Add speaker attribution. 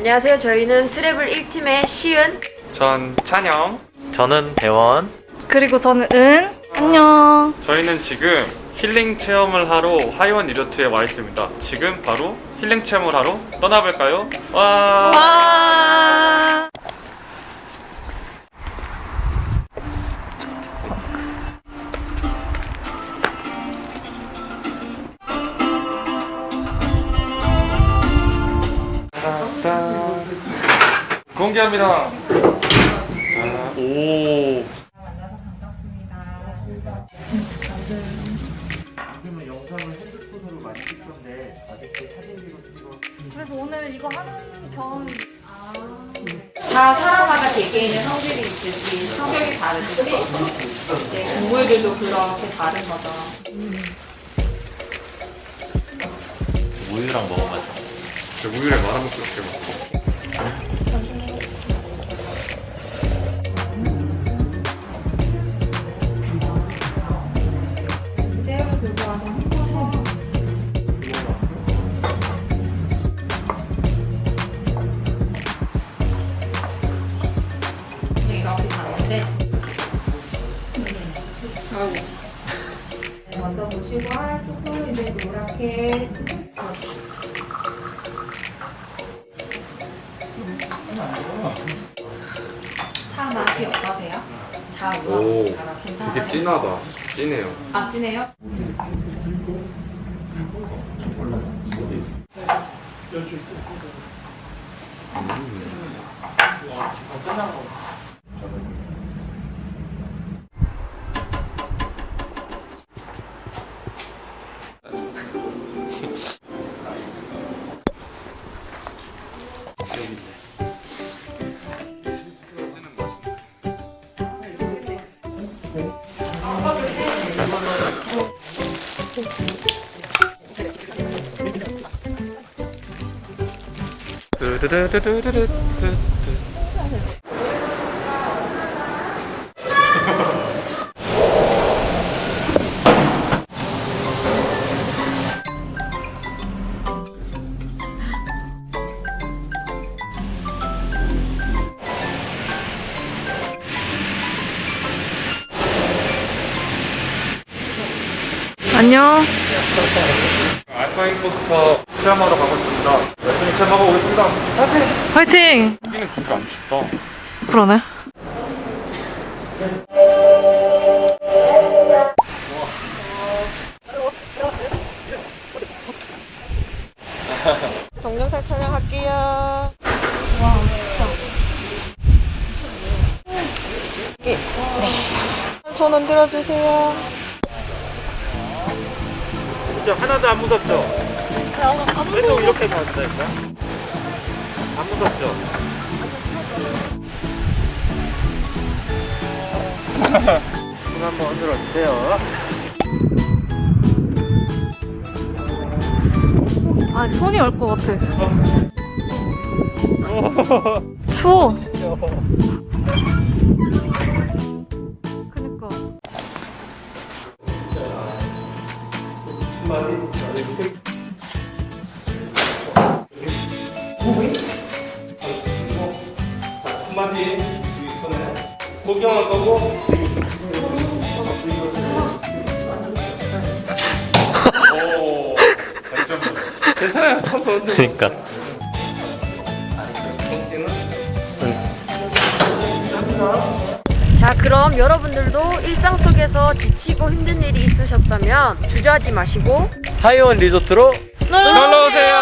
Speaker 1: 안녕하세요. 저희는 트래블 1팀의 시은,
Speaker 2: 전 찬영.
Speaker 3: 저는 대원.
Speaker 4: 그리고 저는 안녕.
Speaker 2: 저희는 지금 힐링 체험을 하러 하이원 리조트에 와 있습니다. 지금 바로 힐링 체험을 하러 떠나볼까요? 와!
Speaker 4: 와.
Speaker 2: 따단. 공개합니다. 자, 오.
Speaker 4: 그래서 오늘 이거 하는 겸
Speaker 1: 다 사람마다 개개인의 성질이 있듯이 성격이 다르듯이 이제 동물들도 그렇게 다른 거죠.
Speaker 3: 우유랑 먹어봐요.
Speaker 2: 우유를 말아먹고 싶게 먹고.
Speaker 1: 그대로 들고 와서 헹궈서 이렇게 가는데 먼저 보시고 조금 이제 노랗게 차 맛이 어떠세요? 잘
Speaker 2: 오,
Speaker 1: 올라가요? 괜찮아요?
Speaker 2: 되게 진하다. 진해요.
Speaker 1: 아, 진해요?
Speaker 2: 뚜두두두두두두.
Speaker 4: 안녕.
Speaker 2: 알파 임포스터 체험하러 가고 있습니다. 열심히 체험하고 오겠습니다. 파이팅!
Speaker 4: 화이팅.
Speaker 2: 여기는 그렇게 안 춥다.
Speaker 4: 그러네.
Speaker 5: 동영상 촬영할게요.
Speaker 4: 와,
Speaker 5: 네. 손 흔들어 주세요.
Speaker 3: 진짜 하나도 안 무섭죠? 계속 이렇게 간다니까? 안 무섭죠? 손 한번 흔들어 주세요.
Speaker 4: 아, 손이 얼 것 같아. 추워. 그니까.
Speaker 2: 한마디 구경할 거고. 오, 괜찮아요. 쳐서.
Speaker 3: 그러니까.
Speaker 1: 자, 그럼 여러분들도 일상 속에서 지치고 힘든 일이 있으셨다면 주저하지 마시고
Speaker 3: 하이원 리조트로
Speaker 4: 놀러
Speaker 2: 놀러 오세요.